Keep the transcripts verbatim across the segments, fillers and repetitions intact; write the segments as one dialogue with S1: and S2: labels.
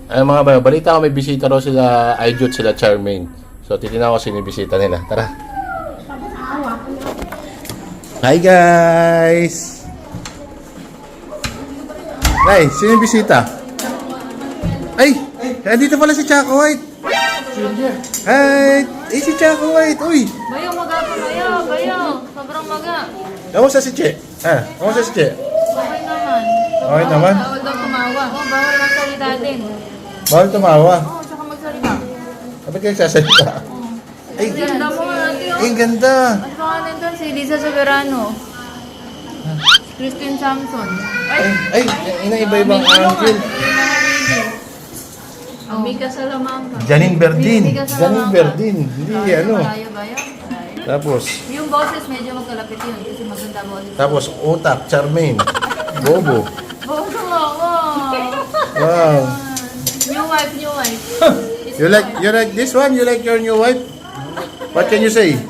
S1: Ay mga bayo, balita ko may bisita raw sila Aijut, sila Charmaine. So titignan ko sino yung bisita nila. Tara. Hi guys! Ay, sino yung bisita? Ay! Nandito pala si Chaco White! Hi! Eh si Chaco White! Uy!
S2: Bayo, maga pa bayo, bayo. Sobrang maga.
S1: Kamusta si Che? Ah, kamusta si Che?
S2: Okay naman.
S1: Okay naman?
S2: Bawal daw tumawa. Oh, bawal magsalita din.
S1: Bawal tumawa.
S2: Oo, oh, tsaka magsalita.
S1: Kapag kayo sasalita? Ay,
S2: Ang ganda mo nga, ate.
S1: ay, ang ganda!
S2: Ang pangalan doon, si Lisa Soberano. Si Christine Samson.
S1: Ay, ay, ina iba-ibang angle.
S2: Ang Mika Salamanca.
S1: Janine Berdin.
S2: Mika
S1: Janine
S2: Salamanca.
S1: Berdin. Hindi, ano.
S2: Malayo ba yun? Malayo.
S1: Tapos,
S2: Yung boses medyo magkalapit yun kasi maganda boses.
S1: tapos Utak, Charmaine, Bobo.
S2: Bobo, wow.
S1: Wow.
S2: New wife, new wife.
S1: You like, you like this one? You like your new wife? What can you say?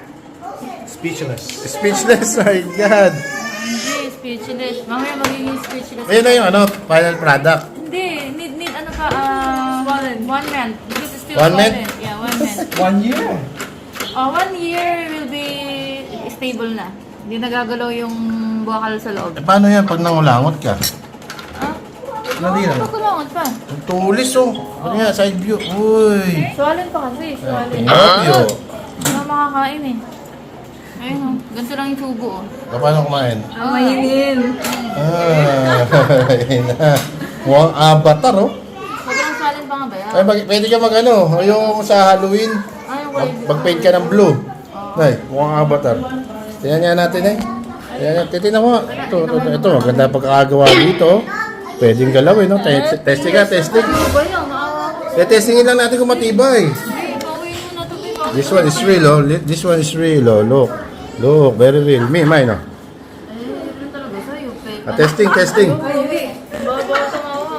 S3: Speechless.
S1: Speechless, my God.
S2: Hindi, speechless. Mamaya magiging speechless.
S1: Ayun na yung ano, final product.
S2: Hindi, need, need ano pa, uh, one, one month. This is still
S1: One month?
S2: Yeah, one month.
S3: One year.
S2: Uh, one year will be stable na. Hindi nagagalaw yung buwakal sa loob.
S1: Eh, paano yan pag nangulangot ka?
S2: Ah?
S1: Hindi lang.
S2: Pagkulangot pa.
S1: Ang tulis, oh. Ano yan, side view. Uy.
S2: Swalin pa kasi, swalin.
S1: Pinapyo.
S2: Hindi na makakain eh. Ayun oh, ganito lang yung tubo oh.
S1: Paano kumain?
S2: Ah, mainin.
S1: Ah, ayun na. Mukhang avatar, oh.
S2: Sobrang swalin pa nga ba yan?
S1: Ay, mag- pwede ka mag ano, yung sa Halloween.
S2: Ay, yung
S1: Mag,
S2: kulay.
S1: mag-paint ka ng blue. Ay, mukhang avatar. Tingnan nga natin eh. Tingnan nga, titignan mo. Ito, ito, ito, ito. Maganda pagkakagawa dito. Pwedeng galawin, no? Te- testing ka, testing.
S2: Ano ba yan? Maawa ko.
S1: Te-testingin lang natin kung matibay.
S2: Hindi, pauwiin mo na ito. Pauwiin
S1: This one is real, oh. Li- This one is real, oh. Look. Look, very real. Me, mine, oh.
S2: Eh, yun talaga sa'yo. Fake.
S1: Ah, testing, testing.
S2: Uwi. Baba tumawa.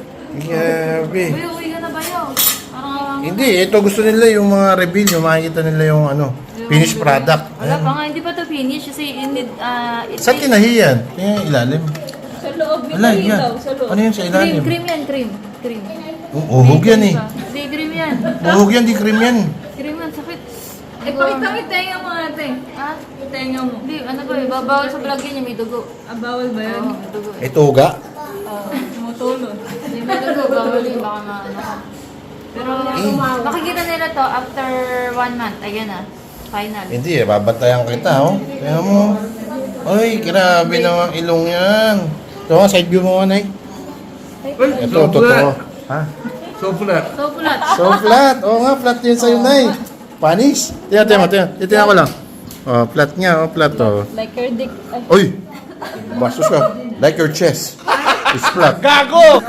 S1: Grabe.
S2: Uy, uwi ka na ba yun? Parang awa mo.
S1: Hindi, ito gusto nila yung mga reveal, yung makikita nila yung ano, finished product.
S2: Wala pa nga, hindi pa to finish kasi you need, uh, it
S1: Saan
S2: takes-
S1: tinahiyan? Tingnan yung ilalim.
S2: Sa loob,
S1: Wala, yan. Ano yun sa
S2: Cream,
S1: ilalim?
S2: cream yan, cream. Cream.
S1: Oh, uhog yan eh.
S2: Hindi, cream yan.
S1: Uhog yan, di cream yan.
S2: Cream yan, sakit. Eh, pakita mo yung tenga mo natin. Ha? Yung tenga mo. Hindi, ano ba eh, babawal sa vlog yan, yung may dugo. Ah, bawal ba yan? Oo, may dugo eh.
S1: Ito uga.
S2: Oo, tumutulon. Hindi, may dugo, bawal yun, baka maano ka. Pero, makikita nila to after one month. Ayan na, final.
S1: Hindi eh, babantayan kita, oh. Kaya mo. Ay, grabe naman ilong yan. Ito nga, side view mo nga, Nay. Ito, totoo. Ha?
S3: So flat.
S2: So, pulat.
S1: So flat. Oo nga, flat yun sa'yo, Nay. Panis. Tingnan, tingnan, tingnan. Tingnan ko lang. Oh, flat nga, oh, flat, oh.
S2: Like your dick. Ay,
S1: Uy! Bastos ka. Like your chest. It's flat.
S3: Gago!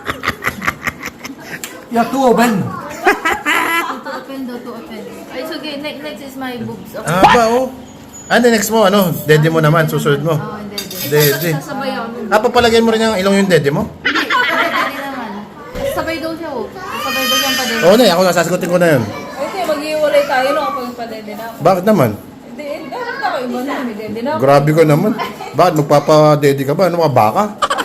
S3: Ya tu open.
S2: to open daw, to open. Ay, so, okay, next, next is my boobs. Okay.
S1: Ah, ba, oh. Ano, next mo, ano? Dede mo naman, susunod mo.
S2: Oo, hindi, hindi.
S1: Dede.
S2: Sasabay ako.
S1: Ah, papalagay mo rin yung ilong yung dede mo?
S2: Hindi, hindi naman. Sabay daw siya, oh. Sabay daw siyang padede.
S1: Oo, Nay, ako nasasagutin ko na yun.
S4: Hindi, mag-iwalay tayo no kapag padede na ako.
S1: Bakit naman?
S4: Hindi, dapat ako iba na, may dede na ako.
S1: Grabe ka naman. Bakit magpapadede ka ba? Ano ka, baka?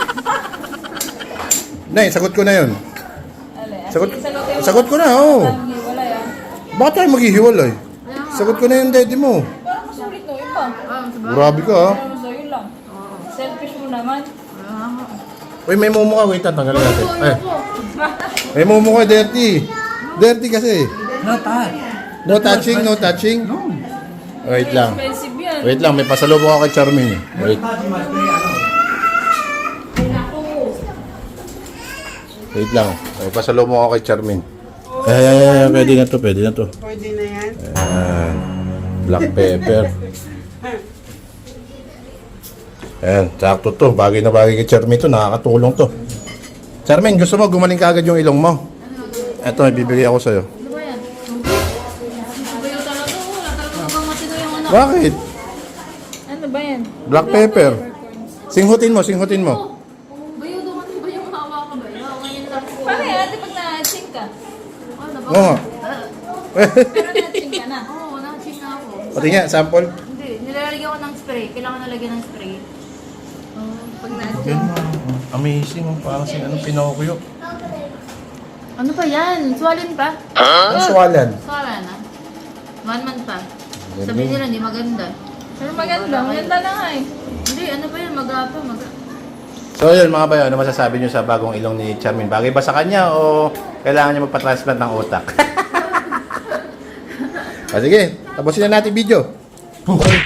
S1: Nay, sagot ko na yun.
S4: Ale,
S1: Sagot,
S4: sige, sagutin mo.
S1: sagot ko na, oo.
S4: Mag-iwalay ah.
S1: Bakit tayo maghihiwalay? Sagot ko na yung dede mo.
S4: Parang masulit no, iba.
S2: Ah, sabay.
S1: Grabe ka, ha?
S4: Parang sa'yo lang. Selfish mo naman.
S1: Uy, may mumu ka. Wait, tanggalin natin.
S2: Ito,
S1: Ay,
S2: ito.
S1: may mumu ka, dirty. Dirty kasi.
S3: Not that.
S1: No touching, no touching. Wait lang.
S4: Expensive yan.
S1: Wait lang, may pasalubong ako kay Charmaine. Wait. Wait lang. May pasalubong ako kay Charmaine. Ay, ay, ay, ay, pwede na to, pwede na to.
S5: Pwede na yan.
S1: Ayan. Black pepper. Ayan, sakto to. Bagay na bagay kay Charmaine to. Nakakatulong to. Charmaine, gusto mo gumaling ka agad yung ilong mo? Ito, ibibigay ako sa'yo.
S2: Ano ba yan? Sabayo talaga, oh. Wala talaga mukhang matino yung ano.
S1: Bakit?
S4: Ano ba yan?
S1: Black pepper. Singhutin mo, singhutin mo.
S2: Oh, bayo daw, ano ba yung hawa ka ba? Hawa ngayon lang po.
S4: Paano yan? Ate, pag na-ching ka?
S2: Ano ba?
S1: Oo nga.
S4: Pero na-ching ka na.
S2: Oo, na-cheat na ako.
S1: Pati nga, sample.
S2: Hindi, nilalagyan ko ng spray. Kailangan nalagyan ng spray.
S4: Oh, pag na-ching.
S1: Yan, oh. Amazing. Oh. Parang sin anong Pinocchio.
S2: Ano pa yan? Swollen pa?
S1: Ang swalan.
S2: Swollen na. One month pa.
S1: Galing.
S2: Sabihin nila, hindi maganda.
S4: Pero maganda. Maganda na nga eh.
S2: Hindi, ano pa yan? Mag-apa, mag
S1: So yun mga bayo, ano masasabi nyo sa bagong ilong ni Charmin? Bagay ba sa kanya o kailangan niya magpa-transplant ng utak? Ah, sige, tapusin na natin video.